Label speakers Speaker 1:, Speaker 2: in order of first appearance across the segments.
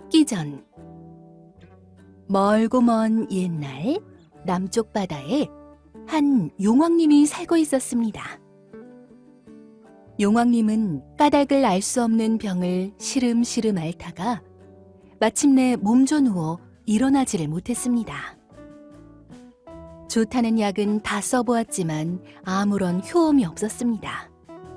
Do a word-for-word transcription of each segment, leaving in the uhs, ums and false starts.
Speaker 1: 춥기 전. 멀고 먼 옛날 남쪽 바다에 한 용왕님이 살고 있었습니다. 용왕님은 까닭을 알 수 없는 병을 시름시름 앓다가 마침내 몸져 누워 일어나지를 못했습니다. 좋다는 약은 다 써보았지만 아무런 효험이 없었습니다.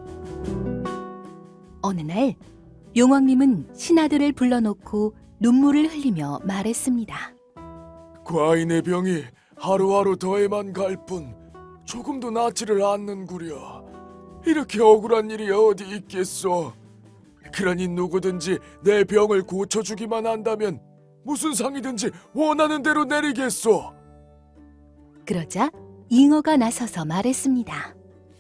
Speaker 1: 어느 날 용왕님은 신하들을 불러놓고 눈물을 흘리며 말했습니다.
Speaker 2: 과인의 병이 하루하루 더해만 갈 뿐 조금도 낫지를 않는구려. 이렇게 억울한 일이 어디 있겠소. 그러니 누구든지 내 병을 고쳐주기만 한다면 무슨 상이든지 원하는 대로 내리겠소.
Speaker 1: 그러자 잉어가 나서서 말했습니다.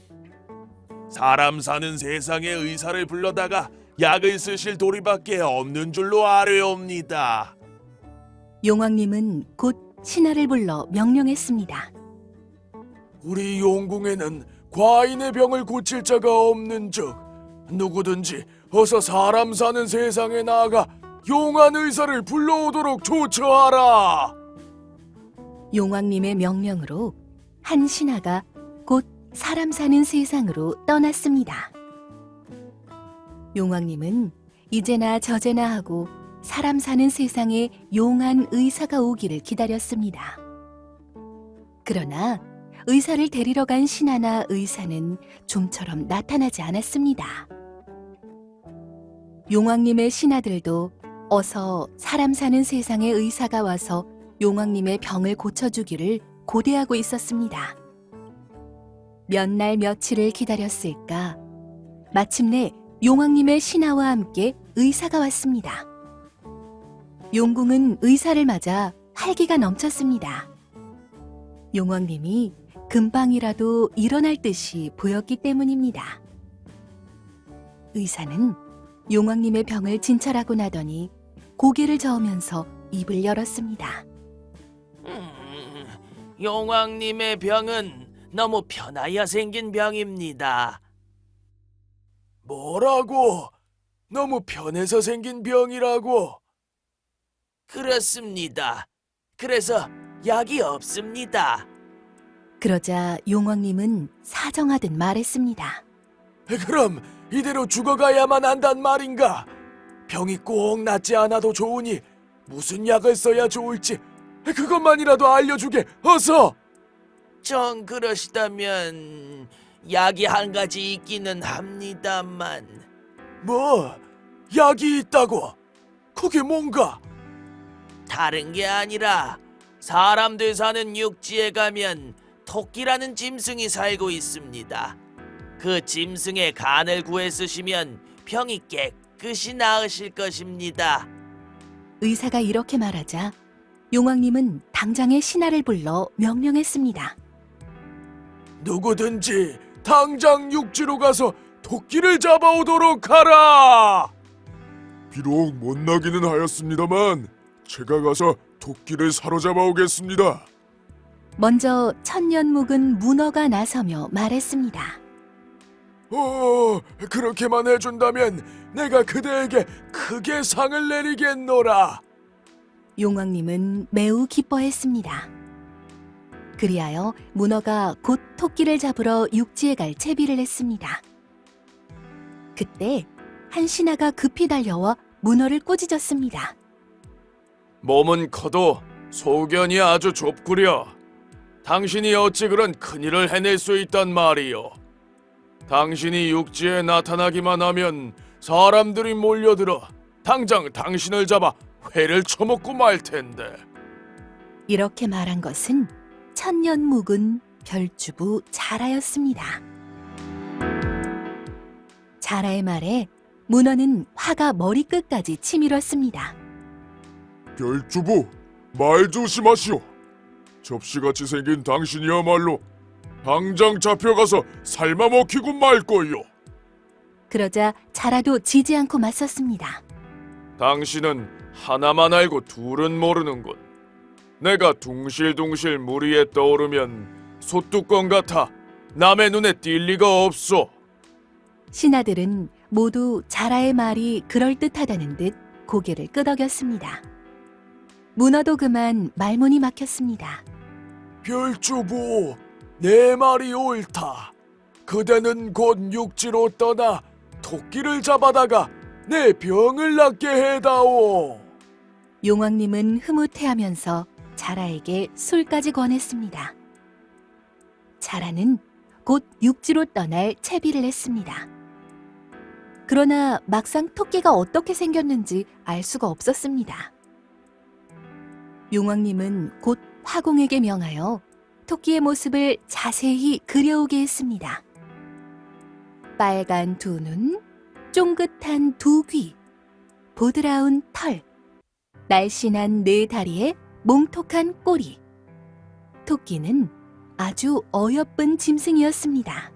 Speaker 3: 사람 사는 세상에 의사를 불러다가 약을 쓰실 도리밖에 없는 줄로 아뢰옵니다.
Speaker 1: 용왕님은 곧 신하를 불러 명령했습니다.
Speaker 2: 우리 용궁에는 과인의 병을 고칠 자가 없는즉 누구든지 어서 사람 사는 세상에 나아가 용한 의사를 불러오도록 조처하라.
Speaker 1: 용왕님의 명령으로 한 신하가 곧 사람 사는 세상으로 떠났습니다. 용왕님은 이제나 저제나 하고 사람 사는 세상에 용한 의사가 오기를 기다렸습니다. 그러나 의사를 데리러 간 신하나 의사는 좀처럼 나타나지 않았습니다. 용왕님의 신하들도 어서 사람 사는 세상에 의사가 와서 용왕님의 병을 고쳐주기를 고대하고 있었습니다. 몇 날 며칠을 기다렸을까? 마침내 용왕님의 신하와 함께 의사가 왔습니다. 용궁은 의사를 맞아 활기가 넘쳤습니다. 용왕님이 금방이라도 일어날 듯이 보였기 때문입니다. 의사는 용왕님의 병을 진찰하고 나더니 고개를 저으면서 입을 열었습니다.
Speaker 4: 음, 용왕님의 병은 너무 편하여 생긴 병입니다.
Speaker 2: 뭐라고? 너무 편해서 생긴 병이라고?
Speaker 4: 그렇습니다. 그래서 약이 없습니다.
Speaker 1: 그러자 용왕님은 사정하듯 말했습니다.
Speaker 2: 그럼 이대로 죽어가야만 한단 말인가? 병이 꼭 낫지 않아도 좋으니 무슨 약을 써야 좋을지 그것만이라도 알려주게, 어서!
Speaker 4: 정 그러시다면 약이 한 가지 있기는 합니다만.
Speaker 2: 뭐? 약이 있다고? 그게 뭔가?
Speaker 4: 다른 게 아니라 사람들 사는 육지에 가면 토끼라는 짐승이 살고 있습니다. 그 짐승의 간을 구해 쓰시면 병이 깨끗이 나으실 것입니다.
Speaker 1: 의사가 이렇게 말하자 용왕님은 당장의 신하를 불러 명령했습니다.
Speaker 2: 누구든지 당장 육지로 가서 토끼를 잡아오도록 하라! 비록 못나기는 하였습니다만 제가 가서 토끼를 사로잡아 오겠습니다.
Speaker 1: 먼저 천년 묵은 문어가 나서며 말했습니다.
Speaker 2: 어, 그렇게만 해준다면 내가 그대에게 크게 상을 내리겠노라.
Speaker 1: 용왕님은 매우 기뻐했습니다. 그리하여 문어가 곧 토끼를 잡으러 육지에 갈 채비를 했습니다. 그때 한 신하가 급히 달려와 문어를 꾸짖었습니다.
Speaker 2: 몸은 커도 소견이 아주 좁구려. 당신이 어찌 그런 큰일을 해낼 수 있단 말이요. 당신이 육지에 나타나기만 하면 사람들이 몰려들어 당장 당신을 잡아 회를 처먹고 말 텐데.
Speaker 1: 이렇게 말한 것은 천년 묵은 별주부 자라였습니다. 자라의 말에 문어는 화가 머리끝까지 치밀었습니다.
Speaker 2: 별주부, 말 조심하시오. 접시같이 생긴 당신이야말로 당장 잡혀가서 삶아 먹히고 말 거요.
Speaker 1: 그러자 자라도 지지 않고 맞섰습니다.
Speaker 2: 당신은 하나만 알고 둘은 모르는군. 내가 둥실둥실 물 위에 떠오르면 솥뚜껑 같아 남의 눈에 띌 리가 없소.
Speaker 1: 신하들은 모두 자라의 말이 그럴듯하다는 듯 고개를 끄덕였습니다. 문어도 그만 말문이 막혔습니다.
Speaker 2: 별주부, 내 말이 옳다. 그대는 곧 육지로 떠나 토끼를 잡아다가 내 병을 낫게 해다오.
Speaker 1: 용왕님은 흐뭇해하면서 자라에게 술까지 권했습니다. 자라는 곧 육지로 떠날 채비를 했습니다. 그러나 막상 토끼가 어떻게 생겼는지 알 수가 없었습니다. 용왕님은 곧 화공에게 명하여 토끼의 모습을 자세히 그려오게 했습니다. 빨간 두 눈, 쫑긋한 두 귀, 보드라운 털, 날씬한 네 다리에 몽톡한 꼬리. 토끼는 아주 어여쁜 짐승이었습니다.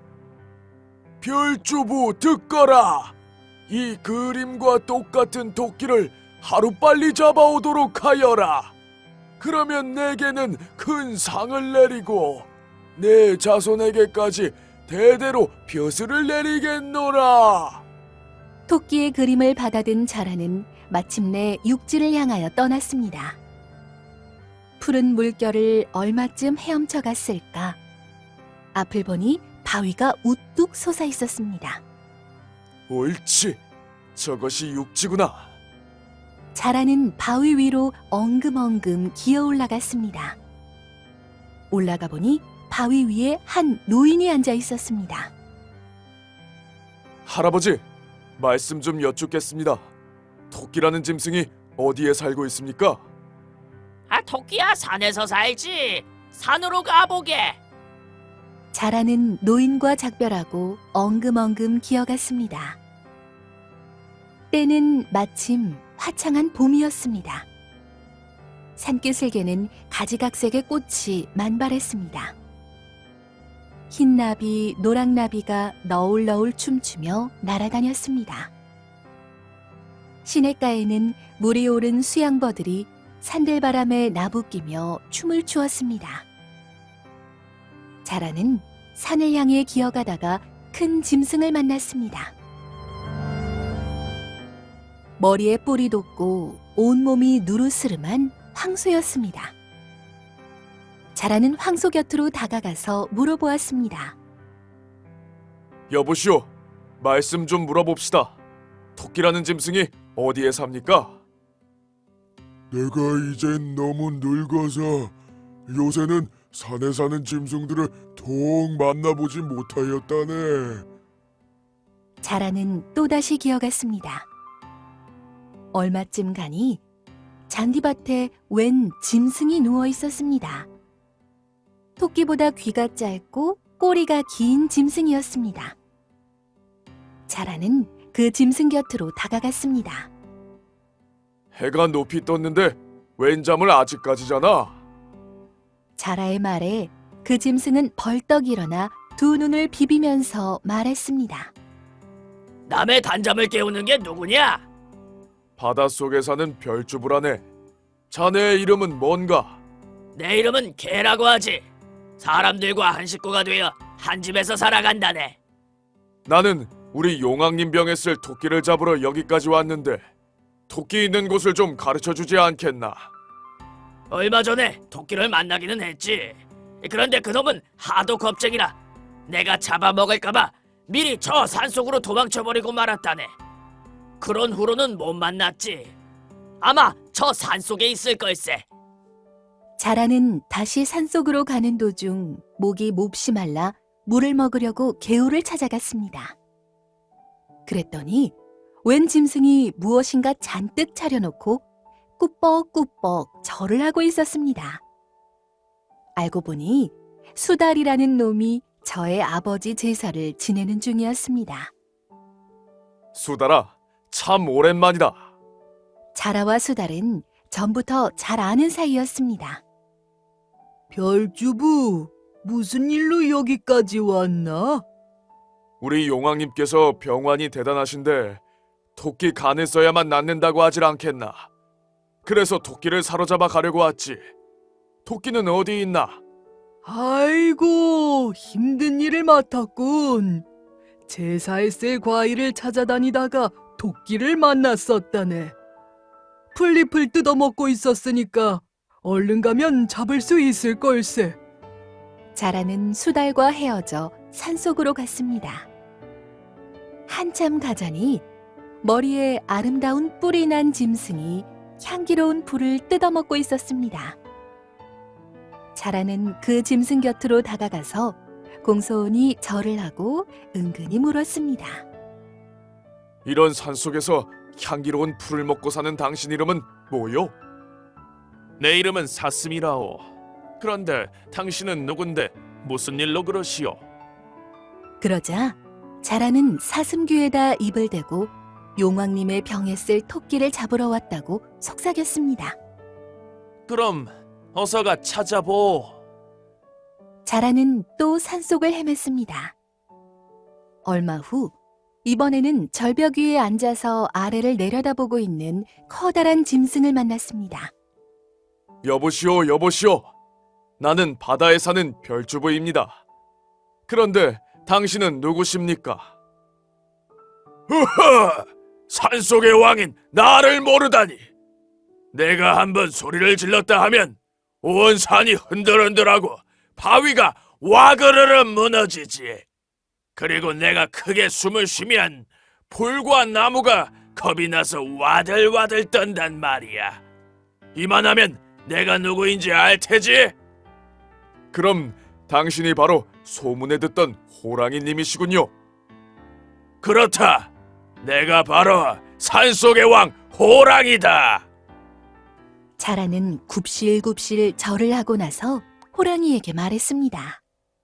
Speaker 2: 별주부 듣거라. 이 그림과 똑같은 토끼를 하루빨리 잡아오도록 하여라. 그러면 내게는 큰 상을 내리고 내 자손에게까지 대대로 벼슬을 내리겠노라.
Speaker 1: 토끼의 그림을 받아든 자라는 마침내 육지를 향하여 떠났습니다. 푸른 물결을 얼마쯤 헤엄쳐 갔을까? 앞을 보니 바위가 우뚝 솟아 있었습니다.
Speaker 2: 옳지, 저것이 육지구나.
Speaker 1: 자라는 바위 위로 엉금엉금 기어 올라갔습니다. 올라가 보니 바위 위에 한 노인이 앉아 있었습니다.
Speaker 2: 할아버지, 말씀 좀 여쭙겠습니다. 토끼라는 짐승이 어디에 살고 있습니까?
Speaker 4: 아, 토끼야 산에서 살지. 산으로 가보게.
Speaker 1: 자라는 노인과 작별하고 엉금엉금 기어갔습니다. 때는 마침 화창한 봄이었습니다. 산기슭에는 가지각색의 꽃이 만발했습니다. 흰나비, 노랑나비가 너울너울 춤추며 날아다녔습니다. 시냇가에는 물이 오른 수양버들이 산들바람에 나부끼며 춤을 추었습니다. 자라는 산을 향해 기어가다가 큰 짐승을 만났습니다. 머리에 뿔이 돋고 온몸이 누르스름한 황소였습니다. 자라는 황소 곁으로 다가가서 물어보았습니다.
Speaker 2: 여보시오, 말씀 좀 물어봅시다. 토끼라는 짐승이 어디에 삽니까?
Speaker 3: 내가 이젠 너무 늙어서 요새는 산에 사는 짐승들을 통 만나보지 못하였다네.
Speaker 1: 자라는 또다시 기어갔습니다. 얼마쯤 가니 잔디밭에 웬 짐승이 누워 있었습니다. 토끼보다 귀가 짧고 꼬리가 긴 짐승이었습니다. 자라는 그 짐승 곁으로 다가갔습니다.
Speaker 2: 해가 높이 떴는데 웬 잠을 아직까지잖아.
Speaker 1: 자라의 말에 그 짐승은 벌떡 일어나 두 눈을 비비면서 말했습니다.
Speaker 4: 남의 단잠을 깨우는 게 누구냐?
Speaker 2: 바닷속에 사는 별주부라네. 자네의 이름은 뭔가?
Speaker 4: 내 이름은 개라고 하지. 사람들과 한 식구가 되어 한 집에서 살아간다네.
Speaker 2: 나는 우리 용왕님 병에 쓸 토끼를 잡으러 여기까지 왔는데 토끼 있는 곳을 좀 가르쳐주지 않겠나?
Speaker 4: 얼마 전에 토끼를 만나기는 했지. 그런데 그놈은 하도 겁쟁이라 내가 잡아먹을까봐 미리 저 산속으로 도망쳐버리고 말았다네. 그런 후로는 못 만났지. 아마 저 산속에 있을 걸세.
Speaker 1: 자라는 다시 산속으로 가는 도중 목이 몹시 말라 물을 먹으려고 개울을 찾아갔습니다. 그랬더니 웬 짐승이 무엇인가 잔뜩 차려놓고 꾸벅꾸벅 절을 하고 있었습니다. 알고 보니 수달이라는 놈이 저의 아버지 제사를 지내는 중이었습니다.
Speaker 2: 수달아, 참 오랜만이다.
Speaker 1: 자라와 수달은 전부터 잘 아는 사이였습니다. 별주부, 무슨 일로 여기까지 왔나?
Speaker 2: 우리 용왕님께서 병환이 대단하신데 토끼 간을 써야만 낫는다고 하질 않겠나? 그래서 토끼를 사로잡아 가려고 왔지. 토끼는 어디 있나?
Speaker 5: 아이고, 힘든 일을 맡았군. 제사에 쓸 과일을 찾아다니다가 토끼를 만났었다네. 풀잎을 뜯어먹고 있었으니까 얼른 가면 잡을 수 있을 걸세.
Speaker 1: 자라는 수달과 헤어져 산속으로 갔습니다. 한참 가자니 머리에 아름다운 뿔이 난 짐승이 향기로운 풀을 뜯어먹고 있었습니다. 자라는 그 짐승 곁으로 다가가서 공손히 절을 하고 은근히 물었습니다.
Speaker 2: 이런 산속에서 향기로운 풀을 먹고 사는 당신 이름은 뭐요?
Speaker 3: 내 이름은 사슴이라오. 그런데 당신은 누군데 무슨 일로 그러시오?
Speaker 1: 그러자 자라는 사슴귀에다 입을 대고 용왕님의 병에 쓸 토끼를 잡으러 왔다고 속삭였습니다.
Speaker 3: 그럼 어서가 찾아보.
Speaker 1: 자라는 또 산속을 헤맸습니다. 얼마 후 이번에는 절벽 위에 앉아서 아래를 내려다보고 있는 커다란 짐승을 만났습니다.
Speaker 2: 여보시오, 여보시오. 나는 바다에 사는 별주부입니다. 그런데 당신은 누구십니까?
Speaker 3: 흐흐! 산속의 왕인 나를 모르다니. 내가 한번 소리를 질렀다 하면 온 산이 흔들흔들하고 바위가 와그르르 무너지지. 그리고 내가 크게 숨을 쉬면 풀과 나무가 겁이 나서 와들와들 떤단 말이야. 이만하면 내가 누구인지 알 테지?
Speaker 2: 그럼 당신이 바로 소문에 듣던 호랑이님이시군요.
Speaker 3: 그렇다. 내가 바로 산속의 왕 호랑이다.
Speaker 1: 자라는 굽실굽실 절을 하고 나서 호랑이에게 말했습니다.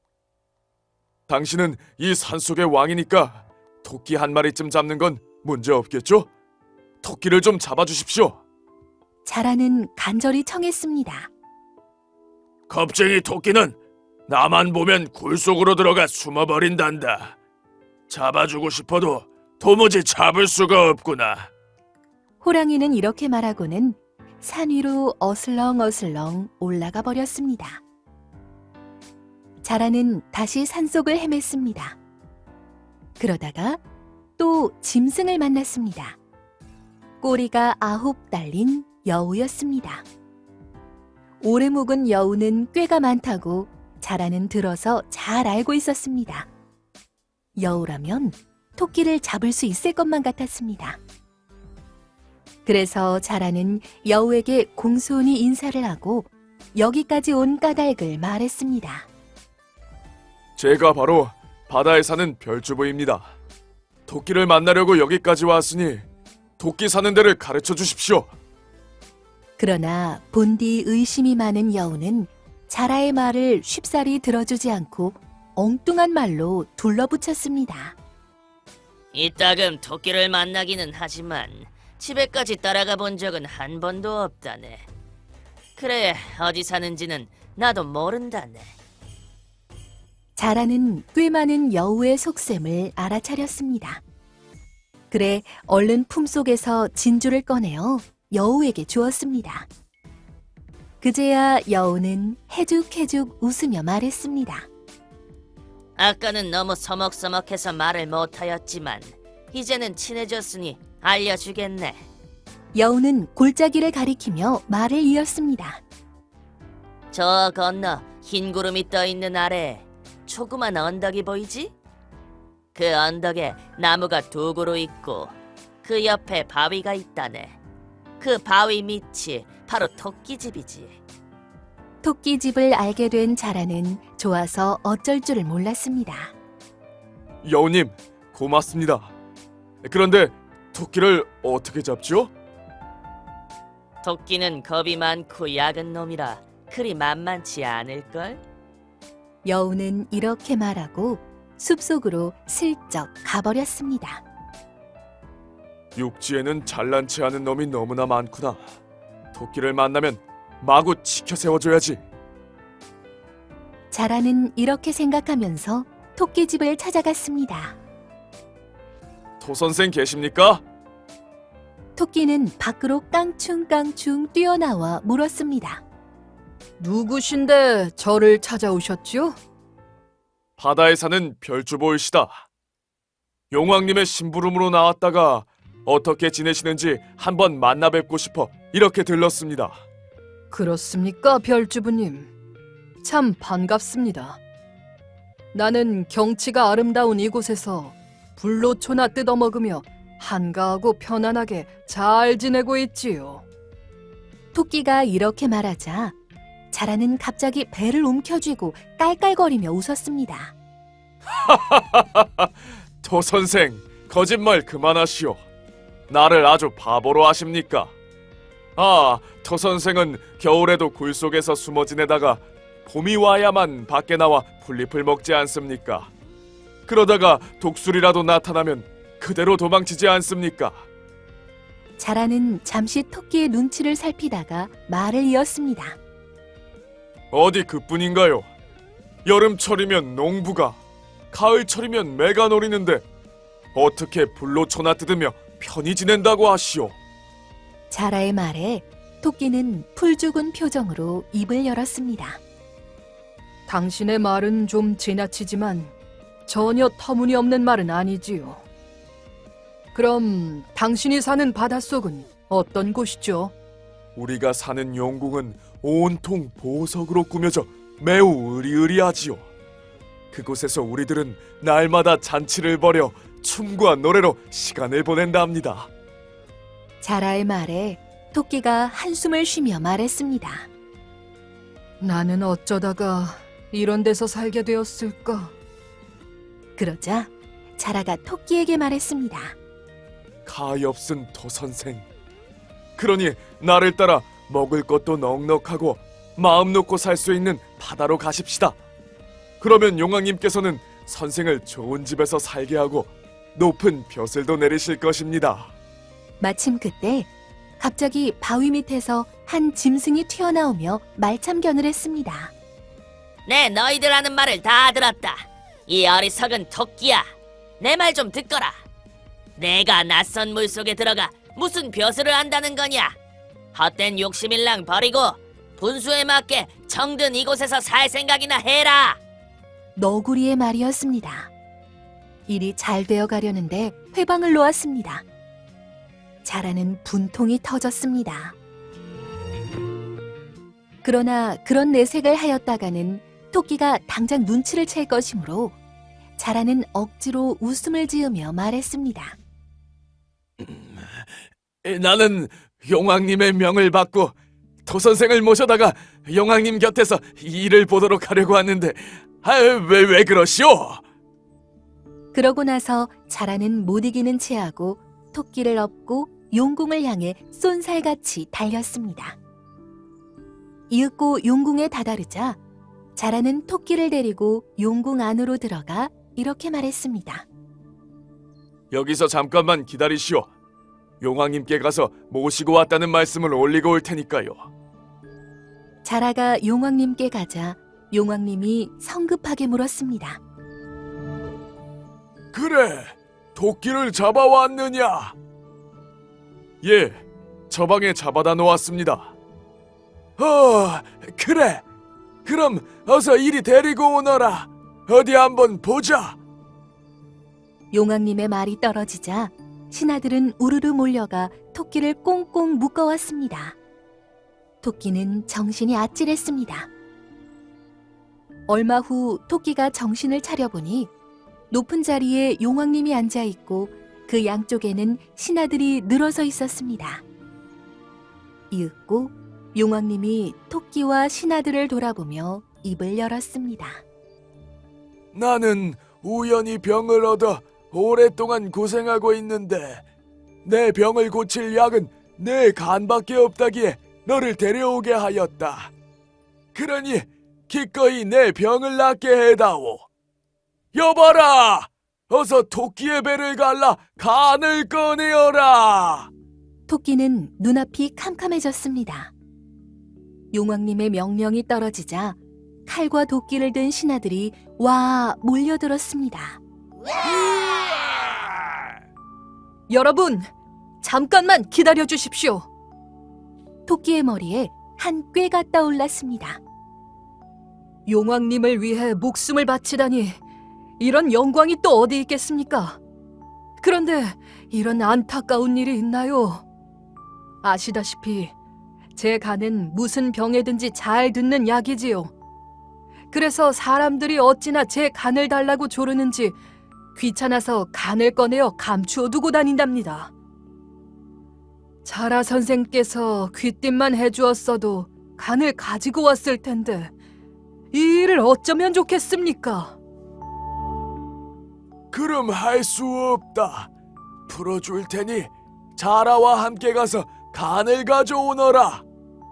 Speaker 2: 당신은 이 산속의 왕이니까 토끼 한 마리쯤 잡는 건 문제 없겠죠? 토끼를 좀 잡아주십시오.
Speaker 1: 자라는 간절히 청했습니다.
Speaker 3: 겁쟁이 토끼는 나만 보면 굴 속으로 들어가 숨어버린단다. 잡아주고 싶어도 도무지 잡을 수가 없구나.
Speaker 1: 호랑이는 이렇게 말하고는 산 위로 어슬렁어슬렁 올라가 버렸습니다. 자라는 다시 산속을 헤맸습니다. 그러다가 또 짐승을 만났습니다. 꼬리가 아홉 달린 여우였습니다. 오래 묵은 여우는 꾀가 많다고 자라는 들어서 잘 알고 있었습니다. 여우라면 토끼를 잡을 수 있을 것만 같았습니다. 그래서 자라는 여우에게 공손히 인사를 하고 여기까지 온 까닭을 말했습니다.
Speaker 2: 제가 바로 바다에 사는 별주부입니다. 토끼를 만나려고 여기까지 왔으니 토끼 사는 데를 가르쳐 주십시오.
Speaker 1: 그러나 본디 의심이 많은 여우는 자라의 말을 쉽사리 들어주지 않고 엉뚱한 말로 둘러붙였습니다.
Speaker 4: 이따금 토끼를 만나기는 하지만 집에까지 따라가 본 적은 한 번도 없다네. 그래, 어디 사는지는 나도 모른다네.
Speaker 1: 자라는 꽤 많은 여우의 속셈을 알아차렸습니다. 그래 얼른 품속에서 진주를 꺼내어 여우에게 주었습니다. 그제야 여우는 해죽해죽 웃으며 말했습니다.
Speaker 4: 아까는 너무 서먹서먹해서 말을 못하였지만 이제는 친해졌으니 알려주겠네.
Speaker 1: 여우는 골짜기를 가리키며 말을 이었습니다.
Speaker 4: 저 건너 흰 구름이 떠있는 아래에 조그만 언덕이 보이지? 그 언덕에 나무가 두 그루 있고 그 옆에 바위가 있다네. 그 바위 밑이 바로 토끼집이지.
Speaker 1: 토끼집을 알게 된 자라는 좋아서 어쩔 줄을 몰랐습니다.
Speaker 2: 여우님, 고맙습니다. 그런데 토끼를 어떻게 잡죠?
Speaker 4: 토끼는 겁이 많고 약은 놈이라 그리 만만치 않을걸?
Speaker 1: 여우는 이렇게 말하고 숲속으로 슬쩍 가버렸습니다.
Speaker 2: 육지에는 잘난 체 하는 놈이 너무나 많구나. 토끼를 만나면 마구 치켜 세워줘야지.
Speaker 1: 자라는 이렇게 생각하면서 토끼집을 찾아갔습니다.
Speaker 2: 토 선생 계십니까?
Speaker 1: 토끼는 밖으로 깡충깡충 뛰어나와 물었습니다.
Speaker 5: 누구신데 저를 찾아오셨죠?
Speaker 2: 바다에 사는 별주보이시다. 용왕님의 심부름으로 나왔다가 어떻게 지내시는지 한번 만나 뵙고 싶어 이렇게 들렀습니다.
Speaker 5: 그렇습니까, 별주부님? 참 반갑습니다. 나는 경치가 아름다운 이곳에서 불로초나 뜯어먹으며 한가하고 편안하게 잘 지내고 있지요.
Speaker 1: 토끼가 이렇게 말하자 자라는 갑자기 배를 움켜쥐고 깔깔거리며 웃었습니다.
Speaker 2: 토 선생, 거짓말 그만하시오. 나를 아주 바보로 아십니까? 아, 토 선생은 겨울에도 굴 속에서 숨어 지내다가 봄이 와야만 밖에 나와 풀잎을 먹지 않습니까? 그러다가 독수리라도 나타나면 그대로 도망치지 않습니까?
Speaker 1: 자라는 잠시 토끼의 눈치를 살피다가 말을 이었습니다.
Speaker 2: 어디 그뿐인가요? 여름철이면 농부가, 가을철이면 매가 노리는데 어떻게 불로초나 뜯으며 편히 지낸다고 하시오?
Speaker 1: 자라의 말에 토끼는 풀 죽은 표정으로 입을 열었습니다.
Speaker 5: 당신의 말은 좀 지나치지만 전혀 터무니없는 말은 아니지요. 그럼 당신이 사는 바닷속은 어떤 곳이죠?
Speaker 2: 우리가 사는 용궁은 온통 보석으로 꾸며져 매우 으리으리하지요. 그곳에서 우리들은 날마다 잔치를 벌여 춤과 노래로 시간을 보낸다 합니다.
Speaker 1: 자라의 말에 토끼가 한숨을 쉬며 말했습니다.
Speaker 5: 나는 어쩌다가 이런 데서 살게 되었을까?
Speaker 1: 그러자 자라가 토끼에게 말했습니다.
Speaker 2: 가엾은 도선생. 그러니 나를 따라 먹을 것도 넉넉하고 마음 놓고 살 수 있는 바다로 가십시다. 그러면 용왕님께서는 선생을 좋은 집에서 살게 하고 높은 벼슬도 내리실 것입니다.
Speaker 1: 마침 그때 갑자기 바위 밑에서 한 짐승이 튀어나오며 말참견을 했습니다.
Speaker 4: 네, 너희들 하는 말을 다 들었다. 이 어리석은 토끼야, 내 말 좀 듣거라. 내가 낯선 물속에 들어가 무슨 벼슬을 한다는 거냐? 헛된 욕심일랑 버리고 분수에 맞게 정든 이곳에서 살 생각이나 해라.
Speaker 1: 너구리의 말이었습니다. 일이 잘 되어 가려는데 회방을 놓았습니다. 자라는 분통이 터졌습니다. 그러나 그런 내색을 하였다가는 토끼가 당장 눈치를 챌 것이므로 자라는 억지로 웃음을 지으며 말했습니다.
Speaker 2: 나는 용왕님의 명을 받고 도선생을 모셔다가 용왕님 곁에서 일을 보도록 하려고 하는데 아, 왜, 왜 그러시오?
Speaker 1: 그러고 나서 자라는 못 이기는 체하고 토끼를 업고 용궁을 향해 쏜살같이 달렸습니다. 이윽고 용궁에 다다르자 자라는 토끼를 데리고 용궁 안으로 들어가 이렇게 말했습니다.
Speaker 2: 여기서 잠깐만 기다리시오. 용왕님께 가서 모시고 왔다는 말씀을 올리고 올 테니까요.
Speaker 1: 자라가 용왕님께 가자 용왕님이 성급하게 물었습니다.
Speaker 2: 그래, 토끼를 잡아왔느냐? 예, 저 방에 잡아다 놓았습니다. 어, 그래. 그럼 어서 이리 데리고 오너라. 어디 한번 보자.
Speaker 1: 용왕님의 말이 떨어지자 신하들은 우르르 몰려가 토끼를 꽁꽁 묶어왔습니다. 토끼는 정신이 아찔했습니다. 얼마 후 토끼가 정신을 차려보니 높은 자리에 용왕님이 앉아있고 그 양쪽에는 신하들이 늘어서 있었습니다. 이윽고 용왕님이 토끼와 신하들을 돌아보며 입을 열었습니다.
Speaker 2: 나는 우연히 병을 얻어 오랫동안 고생하고 있는데 내 병을 고칠 약은 내 간밖에 없다기에 너를 데려오게 하였다. 그러니 기꺼이 내 병을 낫게 해다오. 여봐라! 어서 토끼의 배를 갈라 간을 꺼내어라!
Speaker 1: 토끼는 눈앞이 캄캄해졌습니다. 용왕님의 명령이 떨어지자 칼과 도끼를 든 신하들이 와 몰려들었습니다.
Speaker 5: 여러분, 잠깐만 기다려 주십시오.
Speaker 1: 토끼의 머리에 한 꾀가 떠올랐습니다.
Speaker 5: 용왕님을 위해 목숨을 바치다니 이런 영광이 또 어디 있겠습니까? 그런데 이런 안타까운 일이 있나요? 아시다시피 제 간은 무슨 병에든지 잘 듣는 약이지요. 그래서 사람들이 어찌나 제 간을 달라고 조르는지 귀찮아서 간을 꺼내어 감추어 두고 다닌답니다. 자라 선생께서 귀띔만 해주었어도 간을 가지고 왔을 텐데 이 일을 어쩌면 좋겠습니까?
Speaker 2: 그럼 할 수 없다. 풀어줄 테니 자라와 함께 가서 간을 가져오너라.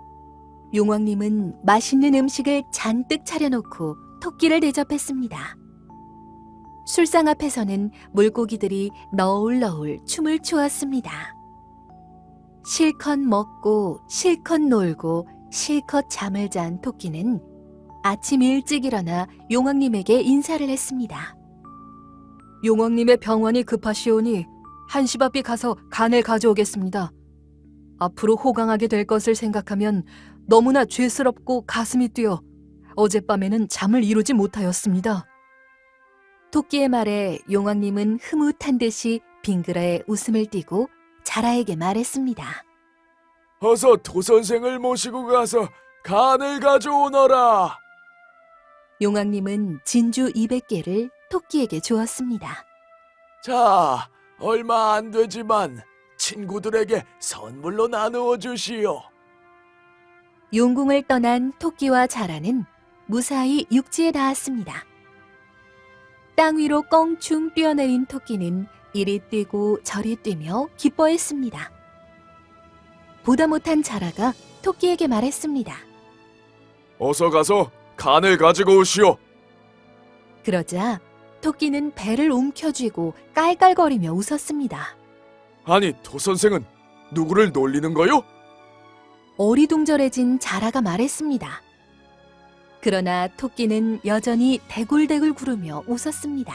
Speaker 1: 용왕님은 맛있는 음식을 잔뜩 차려놓고 토끼를 대접했습니다. 술상 앞에서는 물고기들이 너울너울 춤을 추었습니다. 실컷 먹고 실컷 놀고 실컷 잠을 잔 토끼는 아침 일찍 일어나 용왕님에게 인사를 했습니다.
Speaker 5: 용왕님의 병원이 급하시오니 한시바삐 가서 간을 가져오겠습니다. 앞으로 호강하게 될 것을 생각하면 너무나 죄스럽고 가슴이 뛰어 어젯밤에는 잠을 이루지 못하였습니다.
Speaker 1: 토끼의 말에 용왕님은 흐뭇한 듯이 빙그레 웃음을 띠고 자라에게 말했습니다.
Speaker 2: 어서 도선생을 모시고 가서 간을 가져오너라.
Speaker 1: 용왕님은 진주 이백 개를 토끼에게 주었습니다.
Speaker 2: 자, 얼마 안 되지만 친구들에게 선물로 나누어 주시오.
Speaker 1: 용궁을 떠난 토끼와 자라는 무사히 육지에 닿았습니다. 땅 위로 껑충 뛰어내린 토끼는 이리 뛰고 저리 뛰며 기뻐했습니다. 보다 못한 자라가 토끼에게 말했습니다.
Speaker 2: 어서 가서 간을 가지고 오시오.
Speaker 1: 그러자 토끼는 배를 움켜쥐고 깔깔거리며 웃었습니다.
Speaker 2: 아니, 도선생은 누구를 놀리는 거요?
Speaker 1: 어리둥절해진 자라가 말했습니다. 그러나 토끼는 여전히 대굴대굴 구르며 웃었습니다.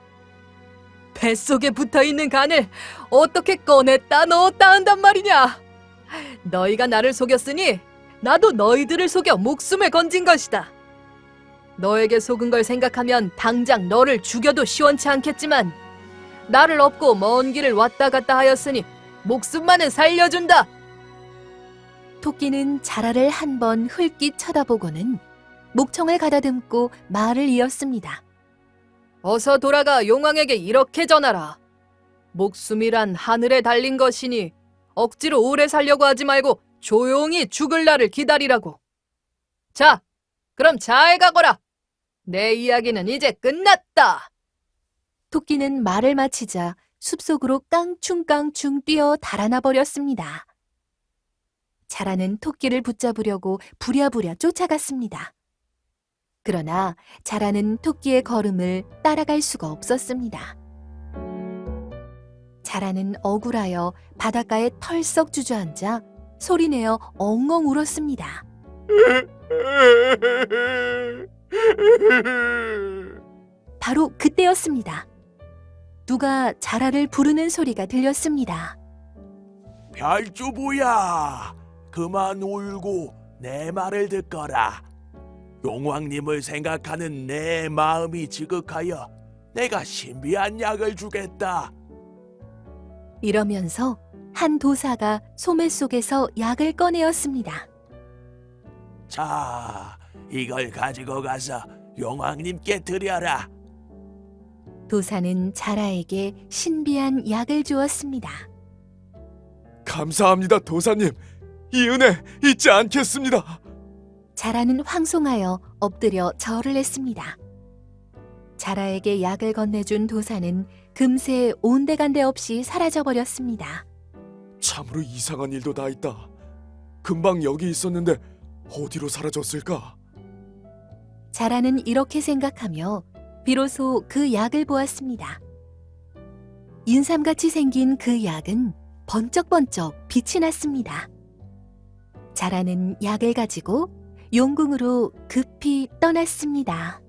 Speaker 5: 뱃속에 붙어있는 간을 어떻게 꺼냈다 넣었다 한단 말이냐? 너희가 나를 속였으니 나도 너희들을 속여 목숨을 건진 것이다. 너에게 속은 걸 생각하면 당장 너를 죽여도 시원치 않겠지만 나를 업고 먼 길을 왔다 갔다 하였으니 목숨만은 살려준다.
Speaker 1: 토끼는 자라를 한 번 흘낏 쳐다보고는 목청을 가다듬고 말을 이었습니다.
Speaker 5: 어서 돌아가 용왕에게 이렇게 전하라. 목숨이란 하늘에 달린 것이니 억지로 오래 살려고 하지 말고 조용히 죽을 날을 기다리라고. 자, 그럼 잘 가거라. 내 이야기는 이제 끝났다.
Speaker 1: 토끼는 말을 마치자 숲속으로 깡충깡충 뛰어 달아나 버렸습니다. 자라는 토끼를 붙잡으려고 부랴부랴 쫓아갔습니다. 그러나 자라는 토끼의 걸음을 따라갈 수가 없었습니다. 자라는 억울하여 바닷가에 털썩 주저앉아 소리내어 엉엉 울었습니다. 바로 그때였습니다. 누가 자라를 부르는 소리가 들렸습니다.
Speaker 3: 별주부야, 그만 울고 내 말을 듣거라. 용왕님을 생각하는 내 마음이 지극하여 내가 신비한 약을 주겠다.
Speaker 1: 이러면서 한 도사가 소매 속에서 약을 꺼내었습니다.
Speaker 3: 자, 이걸 가지고 가서 용왕님께 드려라.
Speaker 1: 도사는 자라에게 신비한 약을 주었습니다.
Speaker 2: 감사합니다, 도사님. 이 은혜 잊지 않겠습니다.
Speaker 1: 자라는 황송하여 엎드려 절을 했습니다. 자라에게 약을 건네준 도사는 금세 온데간데 없이 사라져버렸습니다.
Speaker 2: 참으로 이상한 일도 다 있다. 금방 여기 있었는데 어디로 사라졌을까?
Speaker 1: 자라는 이렇게 생각하며 비로소 그 약을 보았습니다. 인삼같이 생긴 그 약은 번쩍번쩍 빛이 났습니다. 자라는 약을 가지고 용궁으로 급히 떠났습니다.